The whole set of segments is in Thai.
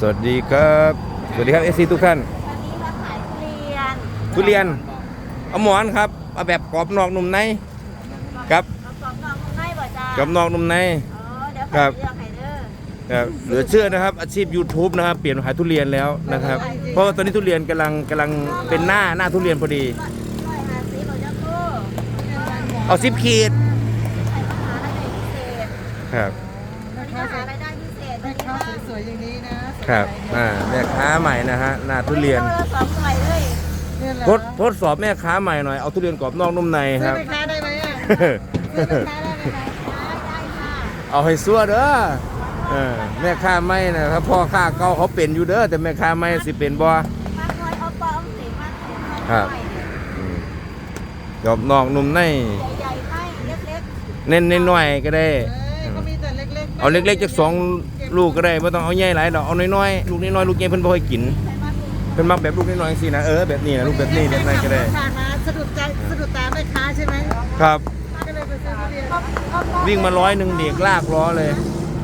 วัสดีครับสวัสดีครับเอซีทุกท่านวันนี้มาขายทุเรียนเอาหมอนครับเอาแบบกรอบนอกนุ่มในครับเอากรอบนอกนุ่มในบ่จ้ากรอบนอกนุ่มในเดี๋ยวครัขายบเลือกให้เด้อครับเหลือเชื่อนะครับอาชีพ YouTube นะครับเปลี่ยนมาขายทุเรียนแล้วนะครับเพราะว่าตอนนี้ทุเรียนกำลังเป็นหน้าทุเรียนพอดี 150บ่จ้าโก้เอา10 ขีดใช้มหาลัยพิเศษครับวันนี้มหาลัยได้พิเศษแม่ค้าสวยๆอย่างนี้นะครับแม่ค้าใหม่นะฮะหน้าทุเรียนโลละ2หน่วยเลยเนี่ยเหรอทดสอบแม่ค้าใหม่หน่อยเอาทุเรียนกรอบนอกนุ่มในซื้คอรับแม่ค้าได้ไหมอ่ะซื้อแม่ค้าได้ไหมคะได้ค่ะเอาให้ซัวเด้อแม่ค้าไม่นะครับพ่อค้าเก่าเขาเป็นอยู่เด้อแต่แม่ค้าไม่สิเป็นบ่มากหน่วยเอาปอมสิมากหน่วยครับ กรอบนอกนุ่มในใหญ่ๆไม่เล็กเน้นๆหน่อยก็ได้เขามีแต่เล็กๆเอาเล็กๆจาก2 ลูกก็ได้ไม่ต้องเอาใหญ่หลายดอกเอาน้อยๆลูกน้อยๆลูกใหญ่เพิ่นบ่ค่อยกินๆใช้มากลูกเพิ่นมักแบบลูกน้อยๆสินะแบบนี้นะลูกแบบนี้แบบนั้นก็ได้ผ่านมาสะดุดใจสะดุดตาแม่ค้าใช่ไหมครับก็เลยไปซื้อทุเรียนวิ่งมา100เด็กลากล้อเลย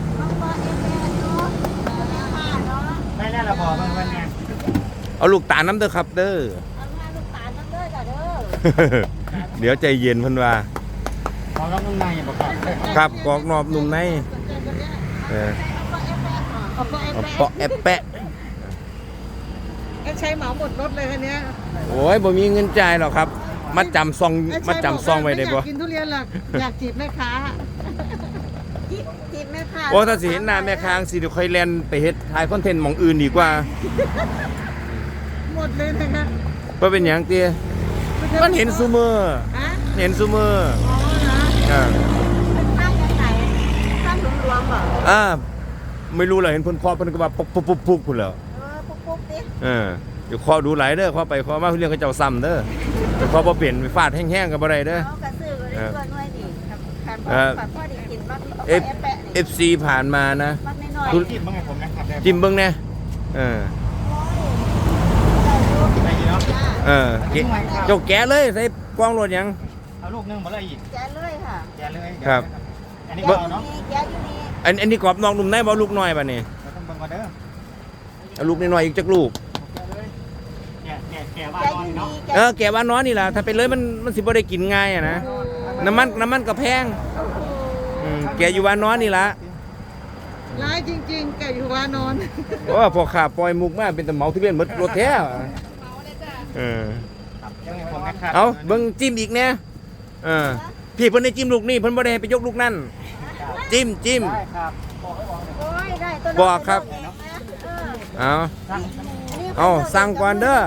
ไม่แล้วเราบอกมันไงเอาลูกตาลน้ำเด้อครับเด้อเอามาลูกตาลน้ำเด้อจ้ะเด้อเดี๋ยวใจเย็นเพิ่นว่าขอรับนุ่มในบอกก่อนครับกรอกนอบนุ่มในเออเอาก็เอาเปาะแอบแปะใช้เหมาหมดรถเลยคันนี้โอ้ยบ่มีเงินจ่ายหรอกครับมัดจำซองไว้ได้บ่อยากกินทุเรียนหรอกอยากจีบแม่ค้าจีบแม่ค้าโอ้ถ้าสิเห็นหน้าแม่ค้างสิเดี๋ยวค่อยแล่นไปเฮ็ดถ่ายคอนเทนต์หม่องอื่นดีกว่าหมดเลยนะคะบ่เป็นหยังเตี้ยมันเห็นซุมื้อฮะเห็นซุมื้ออ๋อนะอ่าเป็นข้างยังไงข้างหลวมๆเหรอไม่รู้เลยเห็นเพิ่นเคาะเพิ่นก็ว่าปุ๊บพุ่นแล้วปุ๊บๆดิเดี๋ยวเคาะดูหลายเด้อเคาะไปเคาะมาเรื่องเขาเจ้าซ้ำเด้อเดี๋ยวเคาะบ่เปลี่ยนไปฟาดแห้งๆก็บ่ได้เด้อเอากระซื้อก็ได้ตัวน้อยดิขันพ่อดีกินมักเอฟ FC ผ่านมานะมักน้อยจิ้มบ้างไงผมนะครับจิ้มเบิ่งแน่เจ้าแกะเลยใส่กล้องรถหยังเอาลูกนึงมาเลยอีกแกเลยค่ะแกเลยครับอันนี้แกก็อยู่เนาะนี่แกอยู่นี่อันนี้กรอบนอกนุ่มในบ่ลูกน้อยบัดนี้เราต้องเบิ่งก่อนเด้อเอาลูกน้อยๆอีกจักลูกแกว่าแกนอนอยู่เนาะนี่แกะว่าน้อยนี่ล่ะถ้าเป็นเลยมันสิบ่ได้กินง่ายอะนะน้ำมันก็แพงแกะอยู่ว่าน้อยนี่ล่ะร้ายจริงๆแกอยู่วานอนเพราะว่าพอขาปล่อยมุกมาเป็นแต่เหมาทุเรียนหมดรถแท้เอาเบิ่งจิ้มอีกแน่พี่เพิ่นได้จิ้มลูกนี่เพิ่นบ่ได้ให้ไปยกลูกนั่นจิ้มได้ครับโอ้ยได้ตัวบอกครับ เอาสั่งก่อนเด้อ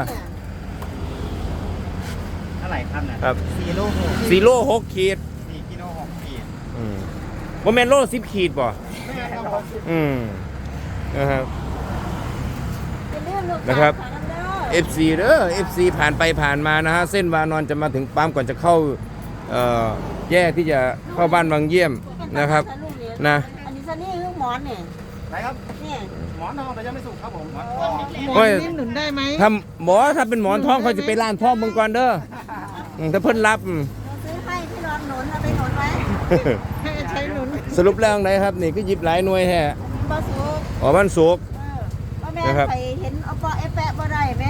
เท่าไหร่ครับเนี่ยครับ 4 โล 4 โล 6 ขีด 4กิโล6ขีดบ่แม่นโล10 ขีดบ่นะครับ นะครับ FC เด้อ FC ผ่านไปผ่านมานะฮะเส้นวานอนจะมาถึงปั๊มก่อนจะเข้าแยกที่จะเข้าบ้านวังเยี่ยมนะครับนะอันนี้ซันนี่คือหมอนเนี่ยไหนครับนี่หมอนทองแต่ยังไม่สุกครับผมหมอนโอ้ยนี่หนุนได้ไหมถ้าเป็นหมอนทองเขาจะไปร้านทองเบิ่งก่อนเด้อถ้าเพิ่นรับเราซื้อให้ที่รอนหนุนเอาไปหนุนไว้ให้ใช้หนุนสรุปแล้วไหนครับนี่ก็หยิบหลายหน่วยแท้บอสุกอ๋อมันสุกว่าแม่นะครับใครเห็นเอาปอแอปแปะบ่ได้ไหม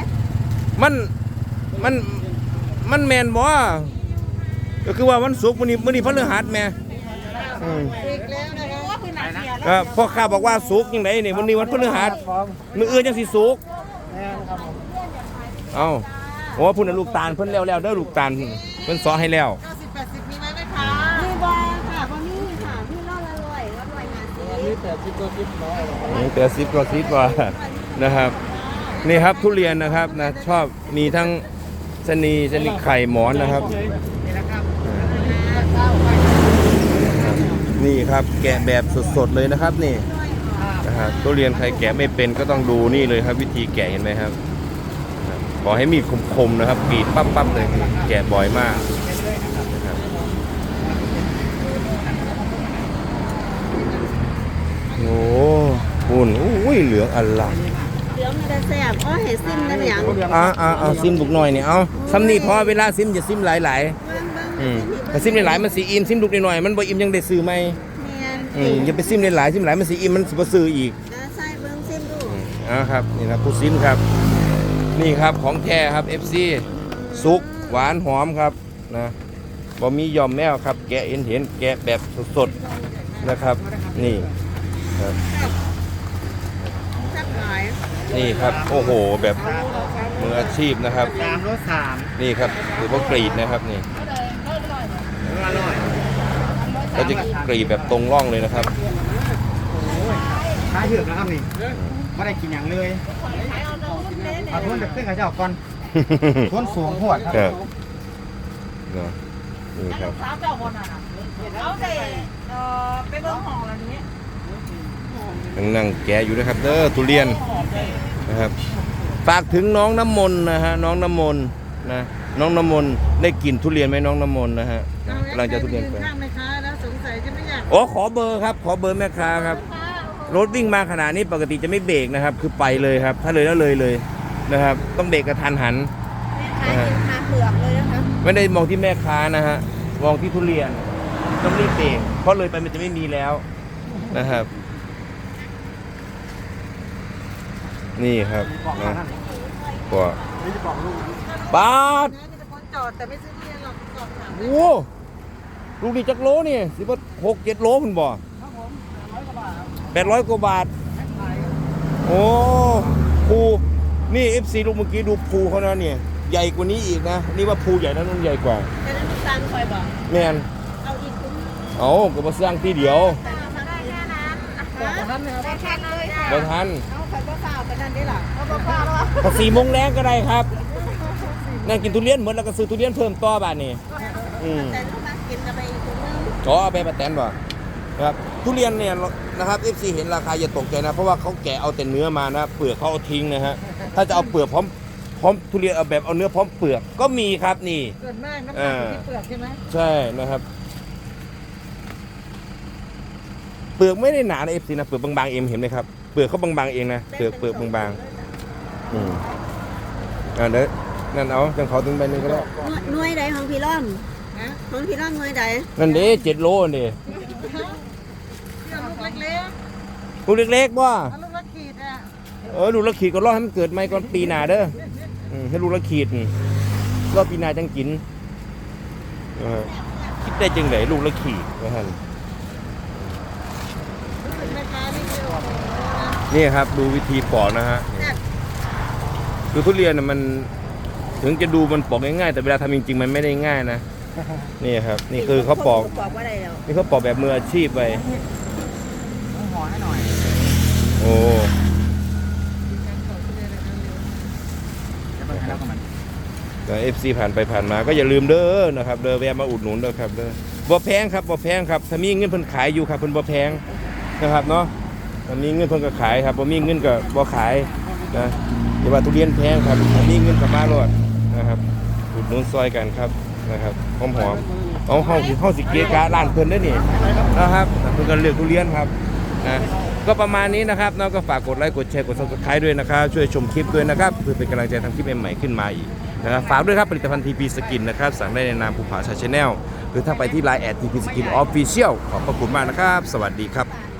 มันแม่นบ่ก็คือว่าวันศุกร์มื้อนี้พฤหัสแม่อีกแล้วนะคะว่าคือหนักเสียก็พ่อข้าบอกว่าศุกร์จังไดนี่วันนี้วันพฤหัสมื้ออื่นจังสิศุกร์เอ้าโอ้พุ่นน่ะลูกตาลเพิ่นแล้วเด้อลูกตาลเพิ่นสอนให้แล้ว 90 80มีไหมแม่ค้ามีบอค่ะบ่มีค่ะมีรอดละร้อยงานสิมี80ตัว10น้อยนี่80กว่า10กว่านะครับ นี่ครับทุเรียนนะครับนะชอบมีทั้งชะนีไข่หมอนนะครับนี่นะครับนี่ครับแกะแบบสดๆเลยนะครับนี่นะครับทุเรียนใครแกะไม่เป็นก็ต้องดูนี่เลยครับ วิธีแกะเห็นไหมครับขอให้มีดคมๆนะครับกรีดปั๊บๆเลยแกะบ่อยมากนะครับโอ้หุ่นอุ้ยเหลืองอร่ามเหลืองมันจะแซ่บอ๋อเห็ดซิมกันอย่างเอาซิมบุกหน่อยเนี่ยเอาซ้ำนี่พอเวลาซิมอย่าซิมหลายๆถ้าซิมหลายๆมันสีอิ่มซิมลูกหน่อยๆมันบ่อิ่มยังได้ซื้อไหมแม่นอย่าไปซิมหลายๆซิมหลายมันสีอิ่มมันสิบ่ซื้ออีกใส่เบิ่งซิมดูครับนี่นะผู้ซิมครับนี่ครับของแท้ครับ FC สุกหวานหอมครับนะบ่มียอมแมวครับแกะเห็นแกะแบบสดๆนะครับนี่ครับแซ่บหลายนี่ครับโอ้โหแบบมืออาชีพนะครับ 3 รถ 3 นี่ครับหรือว่ากรีดนะครับนี่อร่อยก็จะกรีดแบบตรงร่องเลยนะครับขายถึกนะครับนี่ไม่ได้กินอย่างเลยเอาทุนแบบขึ้นกับเจ้าก่อนทุนสูงหวดคครัรับบ เนาะนี่ครับสาวเจ้าคนน่ะเอาเด็ไปเบิ่งห้องแล้วนี้นั่งแกะอยู่นะครับเด้อทุเรียนนะครับฝากถึงน้องน้ำมนต์นะฮะน้องน้ำมนต์นะน้องน้ำมนต์ได้กินทุเรียนไหมน้องน้ำมนต์นะฮะกำลังจะทุเรียนไปข้างไหมคะแล้วสงสัยจะไม่อยากโอ้ขอเบอร์ครับขอเบอร์แม่ค้าครับรถวิ่งมาขนาดนี้ปกติจะไม่เบรกนะครับ คือไปเลยครับ ถ้าเลยแล้วเลยนะครับ ต้องเบรกกระทันหันแม่ค้ากินคาเปลือกเลยนะคะไม่ได้มองที่แม่ค้านะฮะมองที่ทุเรียนต้องรีบเบรกเพราะเลยไปมันจะไม่มีแล้วนะครับนี่ครับนะก็บาทนะมีแต่คนจอดแต่ไม่ซื้อเรียนหรอกจอดถามโอ้ลูกนี่จักโลนี่สิว่า6-7 โลคุณบ่800 กว่าบาทโอ้ภูนี่ FC ลูกเมื่อกี้ดูภูเขานะเนี่ยใหญ่กว่านี้อีกนะนี่ว่าภูใหญ่นะนั่นใหญ่กว่าแต่นั้นลูกตาลคอยบอกแม่นเอาอีกคุ้มเอาก็มาสร้างที่เดียวได้แค่นั้นได้แค่เลยค่ะบ่ทันเอาคอยก็เปล่าไปนั่นได้หรอเอาเปล่าแล้วพอ4 โมงแรงก็ได้ครับนั่งกินทุเรียนหมดแล้วก็ซื้อทุเรียนเพิ่มต่อบาทนี่แต่ลูกมากินกันไปอีกคุ้มนึงขอเอาไปประแตนบ่ครับทุเรียนเนี่ยนะครับ FC เห็นราคาอย่าตกใจนะเพราะว่าเขาแกะเอาแต่เนื้อมานะเปลือกเขาเอาทิ้งนะฮะถ้าจะเอาเปลือกพร้อมทุเรียนเอาแบบเอาเนื้อพร้อมเปลือกก็มีครับนี่ส่วนมากน้ำหนักอยู่ที่เปลือกใช่ไหมใช่นะครับ เปลือกไม่ได้หนาใน FC นะเปลือกบางๆเองเห็นไหมครับเปลือกเขาบางๆเองนะเปลือกบางๆเดี๋ยวนั่นเอาจังเขาถึงใบหนึงก็ได้หน่วยใดของพี่ร่อมของพี่ร่อมหน่วยใดนั่นเด้7 โลนี่เอาลูกเล็กลูกเล็กๆบ่ๆเอาลูกละขีดอ่ะลูกละขีดก็รอให้มันเกิดใหม่ก่อนปีหน้าเด้อให้ลูกละขีดรอปีหน้าจังกินคิดได้จังไหนลูกละขีดนะฮะแม่ค้านี่โอ้โหนะนี่ครับดูวิธีปอกนะฮะคือทุเรียนน่ะมันถึงจะดูมันปอกง่ายๆแต่เวลาทำจริงๆมันไม่ได้ง่ายนะนี่ครับนี่คือเขาปอกบอกว่าอะไรแล้วนี่เขาปอกแบบมืออาชีพไปต้องห่อให้หน่อยโอ้จะไปแล้วกับมันแต่ FC ผ่านไปผ่านมาก็อย่าลืมเด้อนะครับเด้อแวะมาอุดหนุนเด้อครับเด้อบ่แพงครับบ่แพงครับถ้ามีเงินเพิ่นขายอยู่ครับเพิ่นบ่แพงนะครับเนาะถ้ามีเงินเพิ่นก็ขายครับบ่มีเงินก็บ่ขายนะแต่ว่าทุเรียนแพงครับถ้ามีเงินก็มาโลดนะครับอุดหนุนซอยกันครับนะครับหอมๆเอาเฮาสิเกะกะร้านเพิ่นเด้อนี่นะครับเพิ่นก็เลือกทุเรียนครับนะก็ประมาณนี้นะครับน้องก็ฝากกดไลค์กดแชร์กด Subscribe ด้วยนะครับช่วยชมคลิปด้วยนะครับเพื่อเป็นกำลังใจทำคลิปใหม่ๆขึ้นมาอีกนะครับฝากด้วยครับผลิตภัณฑ์ TP Skin นะครับสั่งได้ในนามภูผาชาแนลหรือถ้าไปที่ Line แอด TP Skin Official ขอบพระคุณมากนะครับสวัสดีครับ